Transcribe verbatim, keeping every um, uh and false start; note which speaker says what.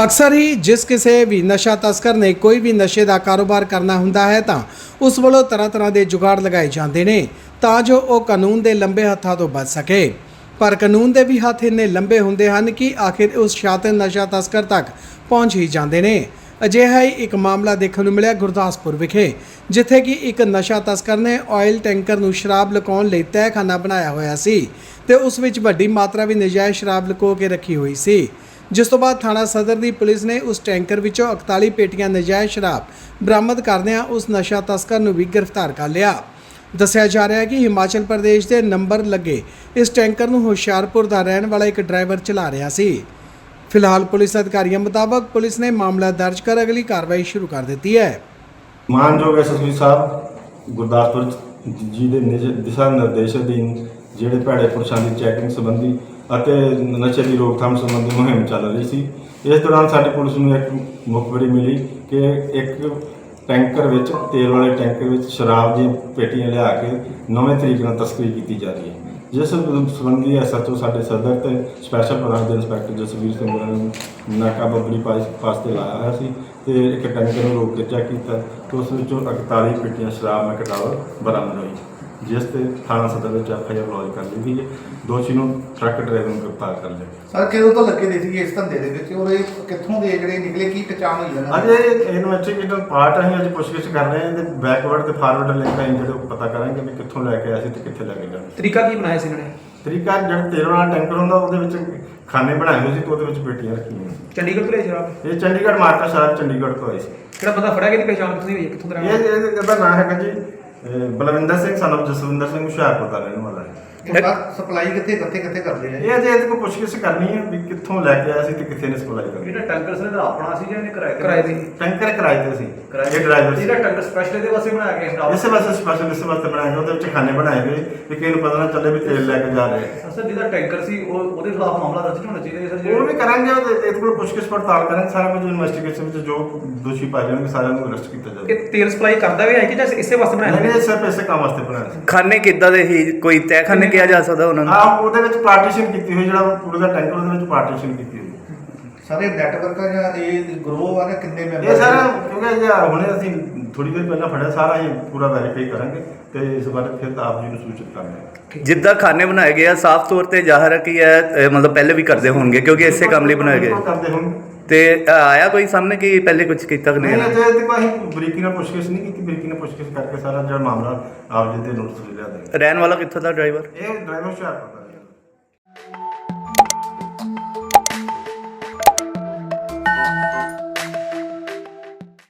Speaker 1: ਅਕਸਰ ਹੀ ਜਿਸ ਕਿਸੇ ਵੀ ਨਸ਼ਾ ਤਸਕਰ ਨੇ ਕੋਈ ਵੀ ਨਸ਼ੇ ਦਾ ਕਾਰੋਬਾਰ ਕਰਨਾ ਹੁੰਦਾ ਹੈ ਤਾਂ ਉਸ ਵੱਲੋਂ ਤਰ੍ਹਾਂ ਤਰ੍ਹਾਂ ਦੇ ਜੁਗਾੜ ਲਗਾਏ ਜਾਂਦੇ ਨੇ ਤਾਂ ਜੋ ਉਹ ਕਾਨੂੰਨ ਦੇ ਲੰਬੇ ਹੱਥਾਂ ਤੋਂ ਬਚ ਸਕੇ। ਪਰ ਕਾਨੂੰਨ ਦੇ ਵੀ ਹੱਥ ਇੰਨੇ ਲੰਬੇ ਹੁੰਦੇ ਹਨ ਕਿ ਆਖਿਰ ਉਸ ਸ਼ਾਤਿਰ ਨਸ਼ਾ ਤਸਕਰ ਤੱਕ ਪਹੁੰਚ ਹੀ ਜਾਂਦੇ ਨੇ। ਅਜਿਹਾ ਹੀ ਇੱਕ ਮਾਮਲਾ ਦੇਖਣ ਨੂੰ ਮਿਲਿਆ ਗੁਰਦਾਸਪੁਰ ਵਿਖੇ, ਜਿੱਥੇ ਕਿ ਇੱਕ ਨਸ਼ਾ ਤਸਕਰ ਨੇ ਆਇਲ ਟੈਂਕਰ ਨੂੰ ਸ਼ਰਾਬ ਲੁਕਾਉਣ ਲਈ ਤਹਿਖਾਨਾ ਬਣਾਇਆ ਹੋਇਆ ਸੀ ਤੇ ਉਸ ਵਿੱਚ ਵੱਡੀ ਮਾਤਰਾ ਵਿੱਚ ਨਜਾਇਜ਼ ਸ਼ਰਾਬ ਲੁਕੋ ਕੇ ਰੱਖੀ ਹੋਈ ਸੀ। ਜਿਸ ਤੋਂ ਬਾਅਦ ਥਾਣਾ ਸਦਰ ਦੀ ਪੁਲਿਸ ਨੇ ਉਸ ਟੈਂਕਰ ਵਿੱਚੋਂ ਇਕਤਾਲੀ ਪੇਟੀਆਂ ਨਜਾਇਜ਼ ਸ਼ਰਾਬ ਬਰਾਮਦ ਕਰਦਿਆਂ ਉਸ ਨਸ਼ਾ ਤਸਕਰ ਨੂੰ ਵੀ ਗ੍ਰਿਫਤਾਰ ਕਰ ਲਿਆ। ਦੱਸਿਆ ਜਾ ਰਿਹਾ ਹੈ ਕਿ ਹਿਮਾਚਲ ਪ੍ਰਦੇਸ਼ ਦੇ ਨੰਬਰ ਲੱਗੇ ਇਸ ਟੈਂਕਰ ਨੂੰ ਹੁਸ਼ਿਆਰਪੁਰ ਦਾ ਰਹਿਣ ਵਾਲਾ ਇੱਕ ਡਰਾਈਵਰ ਚਲਾ ਰਿਹਾ ਸੀ। ਫਿਲਹਾਲ ਪੁਲਿਸ ਅਧਿਕਾਰੀਆਂ ਮੁਤਾਬਕ ਪੁਲਿਸ ਨੇ ਮਾਮਲਾ ਦਰਜ ਕਰ ਅਗਲੀ ਕਾਰਵਾਈ ਸ਼ੁਰੂ ਕਰ ਦਿੱਤੀ ਹੈ।
Speaker 2: ਮਾਨਯੋਗ ਐਸਐਸਪੀ ਸਾਹਿਬ ਗੁਰਦਾਸਪੁਰ ਜੀ ਦੇ ਦਿਸ਼ਾ ਨਿਰਦੇਸ਼ ਅਧੀਨ ਜਿਹੜੇ ਭੈੜੇ ਪੁਰਸ਼ਾਂ ਦੀ ਚੈਕਿੰਗ ਸੰਬੰਧੀ ਅਤੇ ਨਸ਼ੇ ਦੀ ਰੋਕਥਾਮ ਸੰਬੰਧੀ ਮੁਹਿੰਮ ਚੱਲ ਰਹੀ ਸੀ। ਇਸ ਦੌਰਾਨ ਸਾਡੀ ਪੁਲਿਸ ਨੂੰ ਇੱਕ ਮੁਖਬਰੀ ਮਿਲੀ ਕਿ ਇੱਕ ਟੈਂਕਰ ਵਿੱਚ ਤੇਲ ਵਾਲੇ ਟੈਂਕਰ ਵਿੱਚ ਸ਼ਰਾਬ ਦੀਆਂ ਪੇਟੀਆਂ ਲਿਆ ਕੇ ਨਵੇਂ ਤਰੀਕੇ ਨਾਲ ਤਸਕਰੀ ਕੀਤੀ ਜਾ ਰਹੀ ਹੈ, ਜਿਸ ਸੰਬੰਧੀ ਐਸਐਚਓ ਸਾਡੇ ਸਦਰ ਤੇ ਸਪੈਸ਼ਲ ਬ੍ਰਾਂਚ ਦੇ ਇੰਸਪੈਕਟਰ ਜਸਵੀਰ ਸਿੰਘ ਨੇ ਨਾਕਾਬੰਦੀ ਪਾਸ ਤੇ ਲਾਇਆ ਹੋਇਆ ਸੀ ਤੇ ਇੱਕ ਟੈਂਕਰ ਨੂੰ ਰੋਕ ਕੇ ਚੈੱਕ ਕੀਤਾ ਤੇ ਉਸ ਵਿੱਚੋਂ ਇਕਤਾਲੀ ਪੇਟੀਆਂ ਸ਼ਰਾਬ ਮੈਕਡਾਵਰ ਬਰਾਮਦ ਹੋਈ, ਜਿਸ ਤੇ ਥਾਣਾ ਸਦਰ ਵਿੱਚ ਐਫ ਆਈ ਆਰ ਲੌਜ ਕਰ ਲਈ ਗਈ ਹੈ। ਦੋਸ਼ੀ ਨੂੰ ਟਰੱਕ ਡਰਾਈਵਰ ਨੂੰ ਗ੍ਰਿਫਤਾਰ ਕਰ ਲਿਆ।
Speaker 3: ਸਰ ਕਿਦੋਂ ਤੋਂ ਲੱਗੇ ਦੇ ਸੀ ਇਸ ਧੰਦੇ ਦੇ ਵਿੱਚ ਔਰ ਇਹ ਕਿੱਥੋਂ ਦੇ ਜਿਹੜੇ ਨਿਕਲੇ, ਕੀ ਪਛਾਣ ਹੋਈ ਇਹਨਾਂ
Speaker 2: ਅਜੇ ਇਨਵੈਸਟੀਗੇਟਰ ਪਾਰਟ ਅਸੀਂ ਅੱਜ ਪੁੱਛਗਿੱਛ ਕਰ ਰਹੇ ਹਾਂ ਤੇ ਬੈਕਵਰਡ ਤੇ ਫਾਰਵਰਡ ਲਿੰਕ ਅਸੀਂ ਜਿਹੜੇ ਪਤਾ ਕਰਾਂਗੇ ਵੀ ਕਿੱਥੋਂ ਲੈ ਕੇ ਆਏ ਸੀ ਤੇ ਕਿੱਥੇ ਲੈ ਕੇ ਜਾਣਾ।
Speaker 4: ਤਰੀਕਾ ਕੀ ਬਣਾਇਆ ਸੀ ਇਹਨਾਂ ਨੇ?
Speaker 2: ਤਰੀਕਾ ਜਿਹੜਾ ਤੇਲ ਵਾਲਾ ਟੈਂਕਰ ਹੁੰਦਾ ਉਹਦੇ ਵਿੱਚ ਖਾਨੇ ਬਣਾਏ ਹੋਏ ਸੀ ਤੇ ਉਹਦੇ ਵਿੱਚ ਪੇਟੀਆਂ ਰੱਖੀਆਂ ਸੀ।
Speaker 4: ਚੰਡੀਗੜ੍ਹ ਤੋਂ ਲਿਆ ਸ਼ਰਾਬ?
Speaker 2: ਇਹ ਚੰਡੀਗੜ੍ਹ ਮਾਰਕਾ ਸ਼ਹਿਰ ਚੰਡੀਗੜ੍ਹ ਤੋਂ ਆਈ ਸੀ।
Speaker 4: ਕਿਹੜਾ ਬੰਦਾ ਫੜਿਆ ਗਿਆ? ਪਛਾਣ ਕਿੱਥੋਂ ਦੀ ਹੋਈ ਹੈ? ਕਿੱਥੋਂ ਦਾ ਰਹਿਣ ਵਾਲਾ?
Speaker 2: ਇਹ ਇਹਦਾ ਨਾਮ ਹੈਗਾ ਜੀ ਅਹ ਬਲਵਿੰਦਰ ਸਿੰਘ ਸਾਨੂੰ ਜਸਵਿੰਦਰ ਸਿੰਘ ਹੁਸ਼ਿਆਰਪੁਰ ਦਾ ਰਹਿਣ ਵਾਲਾ ਹੈ।
Speaker 3: ਸਪਲਾਈ ਕਿੱਥੇ ਕਿੱਥੇ ਕਿੱਥੇ ਕਰਦੇ ਆ?
Speaker 2: ਇਹ ਅਜੇ ਇਹਦੇ ਕੋਲ ਪੁੱਛਗਿੱਛ ਕਰਨੀ ਹੈ ਵੀ ਕਿੱਥੋਂ ਲੈ ਕੇ ਆਇਆ ਸੀ ਤੇ ਕਿੱਥੇ ਨੇ ਸਪਲਾਈ ਕਰਨੀ।
Speaker 5: ਇਹਦਾ ਟੈਂਕਰ ਸਰ ਦਾ ਆਪਣਾ ਸੀ ਜਾਂ ਇਹਨੇ ਕਿਰਾਏ ਤੇ?
Speaker 4: ਕਿਰਾਏ ਤੇ।
Speaker 2: ਟੈਂਕਰ ਕਿਰਾਏ ਤੇ ਸੀ। ਇਹ ਡਰਾਈਵਰ ਸੀ।
Speaker 5: ਇਹਦਾ ਟੈਂਕਰ ਸਪੈਸ਼ਲ ਇਹਦੇ ਵਾਸਤੇ ਬਣਾਇਆ ਗਿਆ ਸਟਾਫ?
Speaker 2: ਇਸੇ ਵਾਸਤੇ ਸਪੈਸ਼ਲ ਇਸੇ ਵਾਸਤੇ ਬਣਾਏ ਗਏ, ਉਹਦੇ ਵਿੱਚ ਖਾਨੇ ਬਣਾਏ ਗਏ ਵੀ ਕਿਸੇ ਨੂੰ ਪਤਾ ਨਾ ਚੱਲੇ ਵੀ ਤੇਲ ਲੈ ਕੇ ਜਾ ਰਹੇ ਆ।
Speaker 5: ਸਰ ਜਿਹਦਾ ਟੈਂਕਰ ਸੀ ਉਹ ਉਹਦੇ ਖਿਲਾਫ ਮਾਮਲਾ ਦਰਜ ਹੋਣਾ ਚਾਹੀਦਾ ਸਰ।
Speaker 2: ਉਹ ਵੀ ਕਰਾਂਗੇ, ਉਹਦੇ ਇਹਦੇ ਕੋਲ ਪੁੱਛਗਿੱਛ ਪੜਤਾਲ ਕਰਾਂਗੇ, ਸਾਰਾ ਕੁਝ ਇਨਵੈਸਟੀਗੇਸ਼ਨ ਵਿੱਚ ਜੋ ਦੋਸ਼ੀ ਪਾਏ ਜਾਣਗੇ ਸਾਰਿਆਂ ਨੂੰ ਅਰੈਸਟ ਕੀਤਾ ਜਾਵੇਗਾ।
Speaker 4: ਕਿ ਤੇਲ ਸਪਲਾਈ ਕਰਦਾ ਵੀ ਹੈ ਕਿ ਜਾਂ ਇਸੇ ਵਾਸਤੇ ਬਣਾਇਆ
Speaker 2: ਨਹੀਂ, ਇਹ ਸਿਰਫ ਇਸੇ ਕੰਮ ਵਾਸਤੇ ਬਣਾਇਆ ਸੀ।
Speaker 6: ਖਾਨੇ ਕਿੱਦਾਂ ਦੇ ਹੀ ਕੋਈ ਤਹਿਖਾਨੇ ਕਿਹਾ ਜਾ ਸਕਦਾ ਉਹਨਾਂ ਨੂੰ?
Speaker 2: ਹਾਂ, ਉਹਦੇ ਵਿੱਚ ਪਾਰਟੀਸ਼ਨ ਕੀਤੀ ਹੋਈ, ਜਿਹੜਾ ਪੂਰੇ ਦਾ ਟੈਂਕਰ ਉਹਦੇ ਵਿੱਚ ਪਾਰਟੀਸ਼ਨ ਕੀਤੀ ਹੋਈ।
Speaker 3: ਸਾਰੇ ਨੈਟਵਰਕ ਜਾਂ ਇਹ ਗਰੋਹ ਆ ਨਾ, ਕਿੰਨੇ ਮੈਂਬਰ?
Speaker 2: ਇਹ ਸਾਰਾ ਕਿਉਂਕਿ ਜੇ ਹੁਣੇ ਅਸੀਂ ਥੋੜੀ ਦੇਰ ਪਹਿਲਾਂ ਫੜਿਆ, ਸਾਰਾ ਇਹ ਪੂਰਾ ਵੈਰੀਫਾਈ ਕਰਾਂਗੇ ਤੇ ਇਸ ਬਾਰੇ ਫਿਰ ਆਪ ਜੀ ਨੂੰ ਸੂਚਿਤ ਕਰਾਂਗੇ।
Speaker 6: ਜਿੱਦਾਂ ਖਾਨੇ ਬਣਾਏ ਗਏ ਆ ਸਾਫ਼ ਤੌਰ ਤੇ ਜ਼ਾਹਰ ਹੈ ਕਿ ਇਹ ਮਤਲਬ ਪਹਿਲੇ ਵੀ ਕਰਦੇ ਹੋਣਗੇ ਕਿਉਂਕਿ ਇਸੇ ਕੰਮ ਲਈ ਬਣਾਏ ਗਏ।
Speaker 2: ਕਰਦੇ ਹੋਣ
Speaker 6: ਤੇ ਆਇਆ ਕੋਈ ਸਾਹਮਣੇ ਕਿ ਪਹਿਲੇ ਕੁਝ ਕੀਤਾ ਕਿ ਨਹੀਂ?
Speaker 2: ਨਹੀਂ, ਅਜੇ ਤੱਕ ਅਸੀਂ ਬਰੀਕੀ ਨਾਲ ਪੁੱਛਗਿੱਛ ਨਹੀਂ ਕੀਤੀ। ਬਰੀਕੀ ਨਾਲ ਪੁੱਛਗਿੱਛ ਕਰਕੇ ਸਾਰਾ ਜਿਹੜਾ ਮਾਮਲਾ ਆਪ ਜੀ ਦੇ ਨੋਟਿਸ ਲਿਆ ਦੇ।
Speaker 6: ਰਹਿਣ ਵਾਲਾ ਕਿੱਥੋਂ ਦਾ ਡਰਾਈਵਰ?
Speaker 2: ਇਹ ਡਰਾਈਵਰ ਹੁਸ਼ਿਆਰਪੁਰ ਦਾ।